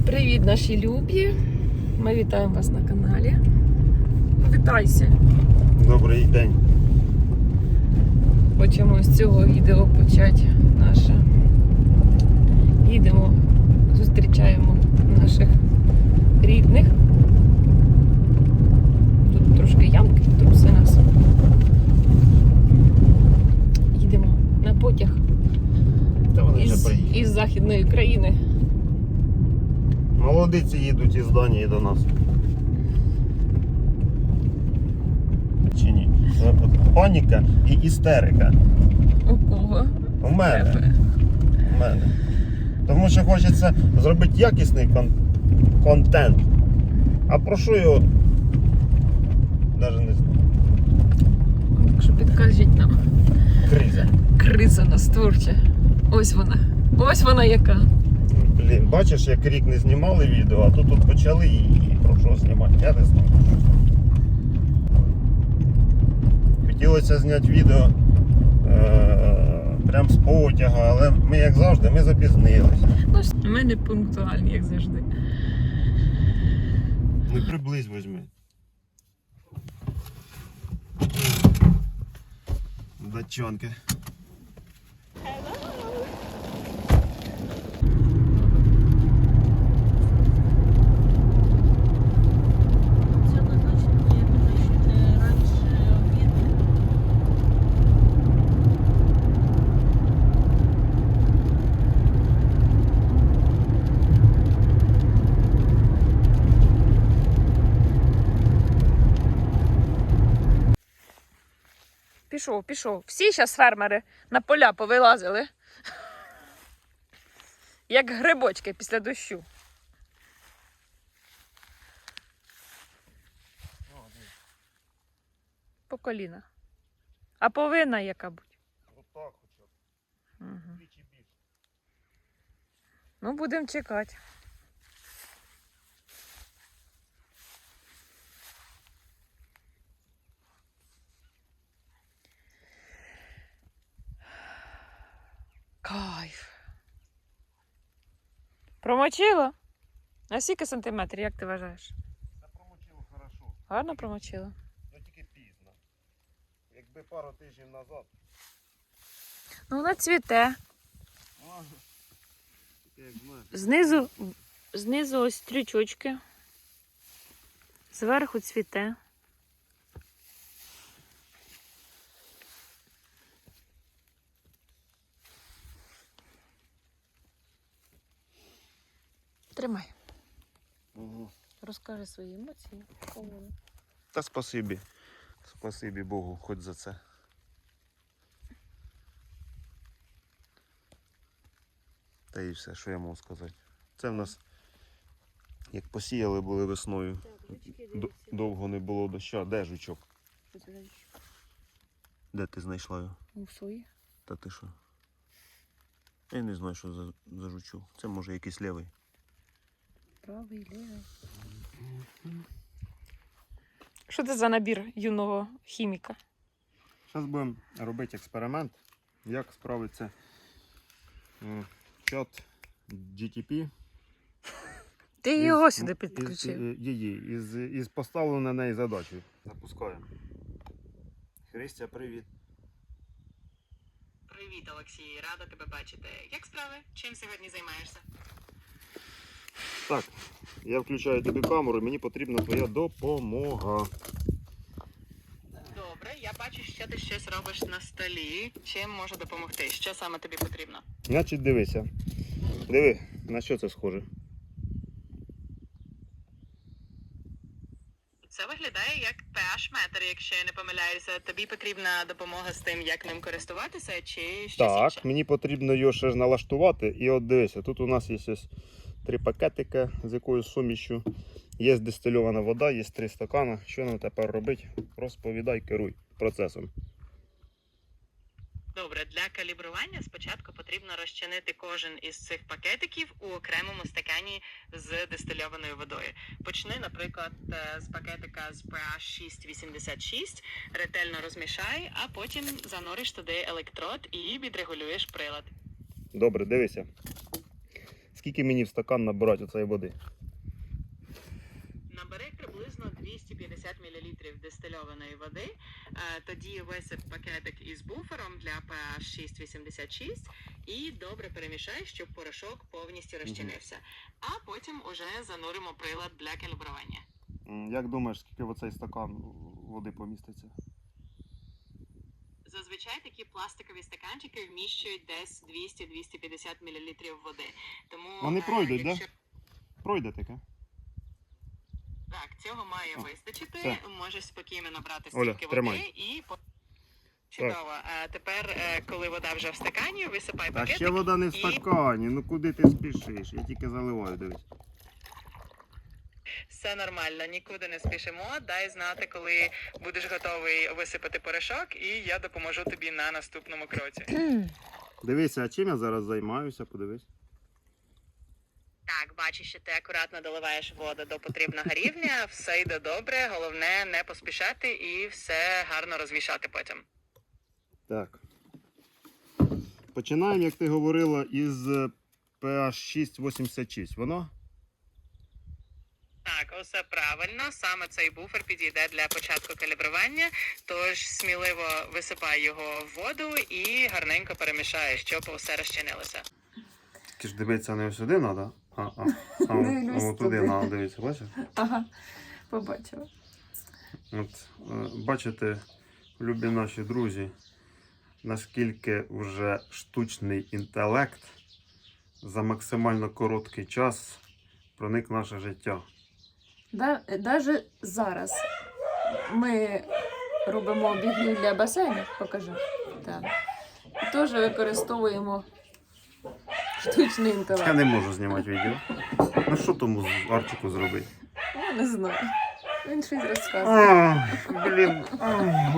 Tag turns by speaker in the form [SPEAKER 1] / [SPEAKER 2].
[SPEAKER 1] Привіт, наші любі! Ми вітаємо вас на каналі. Вітайся!
[SPEAKER 2] Добрий день!
[SPEAKER 1] Хочемо з цього відео почати наше. Їдемо, зустрічаємо наших рідних. Тут трошки ямки, труси нас. Їдемо на потяг із Західної країни.
[SPEAKER 2] Молодиці їдуть із Данії до нас. Чи ні? Паніка і істерика.
[SPEAKER 1] У кого?
[SPEAKER 2] У мене. Тому що хочеться зробити якісний контент. А про що його? Навіть не знаю.
[SPEAKER 1] Так що підкажіть нам.
[SPEAKER 2] Криза.
[SPEAKER 1] Криза нас творча. Ось вона. Ось вона яка.
[SPEAKER 2] Блін, бачиш, як рік не знімали відео, а тут почали і про що знімати, я не знаю. Хотілося зняти відео прям з потяга, але ми, як завжди, ми запізнились.
[SPEAKER 1] Ну, ми не пунктуальні, як завжди.
[SPEAKER 2] Ну приблизь возьми. Датчанки.
[SPEAKER 1] Пішов. Всі зараз фермери на поля повилазили. Як грибочки після дощу. По коліна. А повинна яка будь?
[SPEAKER 2] Отак хоча б.
[SPEAKER 1] Угу.
[SPEAKER 2] Двічі більше.
[SPEAKER 1] Ну, будемо чекати. Кайф. Промочила? На скільки сантиметрів, як ти вважаєш?
[SPEAKER 2] Це промочило хорошо.
[SPEAKER 1] Гарно промочила?
[SPEAKER 2] Ну тільки пізно. Якби пару тижнів назад.
[SPEAKER 1] Ну, вона цвіте.
[SPEAKER 2] Як знаєш.
[SPEAKER 1] Знизу ось стрічочки. Зверху цвіте. Тримай.
[SPEAKER 2] Угу.
[SPEAKER 1] Розкажи свої емоції.
[SPEAKER 2] Та спасибі. Спасибі Богу, хоч за це. Та і все, що я можу сказати. Це в нас, як посіяли були весною, довго не було дощу. Де жучок? Де ти знайшла його?
[SPEAKER 1] У свої.
[SPEAKER 2] Та ти що? Я не знаю, що за жучок. Це може якийсь лівий.
[SPEAKER 1] Правий, лівий. Що це за набір юного хіміка?
[SPEAKER 2] Зараз будемо робити експеримент, як справиться чат GTP.
[SPEAKER 1] Ти його сюди підключив.
[SPEAKER 2] Із поставленою на неї задачею. Запускаємо. Христя, привіт.
[SPEAKER 3] Привіт, Олексій, рада тебе бачити. Як справи? Чим сьогодні займаєшся?
[SPEAKER 2] Так, я включаю тобі камеру, мені потрібна твоя допомога.
[SPEAKER 3] Добре, я бачу, що ти щось робиш на столі. Чим можу допомогти? Що саме тобі потрібно?
[SPEAKER 2] Значить, дивися. Диви, на що це схоже?
[SPEAKER 3] Це виглядає як pH-метр, якщо я не помиляюся. Тобі потрібна допомога з тим, як ним користуватися, чи щось
[SPEAKER 2] Так,
[SPEAKER 3] інше?
[SPEAKER 2] мені потрібно його ще ж налаштувати. І от дивися, тут у нас є ось 3 пакетика з якоюсь сумішю. Є дистильована вода, є 3 стакани. Що нам тепер робити? Розповідай, керуй процесом.
[SPEAKER 3] Добре, для калібрування спочатку потрібно розчинити кожен із цих пакетиків у окремому стакані з дистильованою водою. Почни, наприклад, з пакетика з pH 6,86, ретельно розмішай, а потім зануриш туди електрод і відрегулюєш прилад.
[SPEAKER 2] Добре, дивися. скільки мені в стакан набирати оцеї води?
[SPEAKER 3] Набери приблизно 250 мл дистильованої води, тоді висип пакетик із буфером для pH 6,86 і добре перемішай, щоб порошок повністю розчинився. А потім уже зануримо прилад для калібрування.
[SPEAKER 2] Як думаєш, скільки в оцей стакан води поміститься?
[SPEAKER 3] Зазвичай такі пластикові стаканчики вміщують десь 200-250 мл води. Тому
[SPEAKER 2] Вони пройдуть, так?
[SPEAKER 3] якщо...
[SPEAKER 2] Пройде таке?
[SPEAKER 3] Так, цього має вистачити.
[SPEAKER 2] Все.
[SPEAKER 3] Можеш спокійно набрати
[SPEAKER 2] Оля,
[SPEAKER 3] стільки
[SPEAKER 2] тримай.
[SPEAKER 3] води і... Чудово. А тепер, коли вода вже в стакані, висипай
[SPEAKER 2] Та
[SPEAKER 3] пакетик.
[SPEAKER 2] ще вода не в
[SPEAKER 3] і-
[SPEAKER 2] стакані, ну куди ти спішиш? Я тільки заливаю, дивись.
[SPEAKER 3] Все нормально, нікуди не спішимо. Дай знати, коли будеш готовий висипати порошок, і я допоможу тобі на наступному кроці.
[SPEAKER 2] Дивися, а чим я зараз займаюся, подивись.
[SPEAKER 3] Так, бачиш, що ти акуратно доливаєш воду до потрібного рівня, все йде добре, головне не поспішати і все гарно розвішати потім.
[SPEAKER 2] Так. Починаємо, як ти говорила, із pH 6,86. Воно?
[SPEAKER 3] Так, усе правильно. Саме цей буфер підійде для початку калібрування, тож сміливо висипай його в воду і гарненько перемішай, щоб усе розчинилося.
[SPEAKER 2] Тільки ж дивитися не сюди треба,
[SPEAKER 1] Дивлюсь
[SPEAKER 2] туди
[SPEAKER 1] туди.
[SPEAKER 2] треба дивитися, бачиш?
[SPEAKER 1] Ага, побачила.
[SPEAKER 2] От, бачите, любі наші друзі, наскільки вже штучний інтелект за максимально короткий час проник в наше життя.
[SPEAKER 1] Навіть зараз ми робимо обігрів для басейну, покажу. Так. І теж використовуємо штучний
[SPEAKER 2] Я
[SPEAKER 1] інтелект.
[SPEAKER 2] не можу знімати відео. Ну що тому Арчику зробити?
[SPEAKER 1] Я не знаю. Він щось розказує.
[SPEAKER 2] Блін.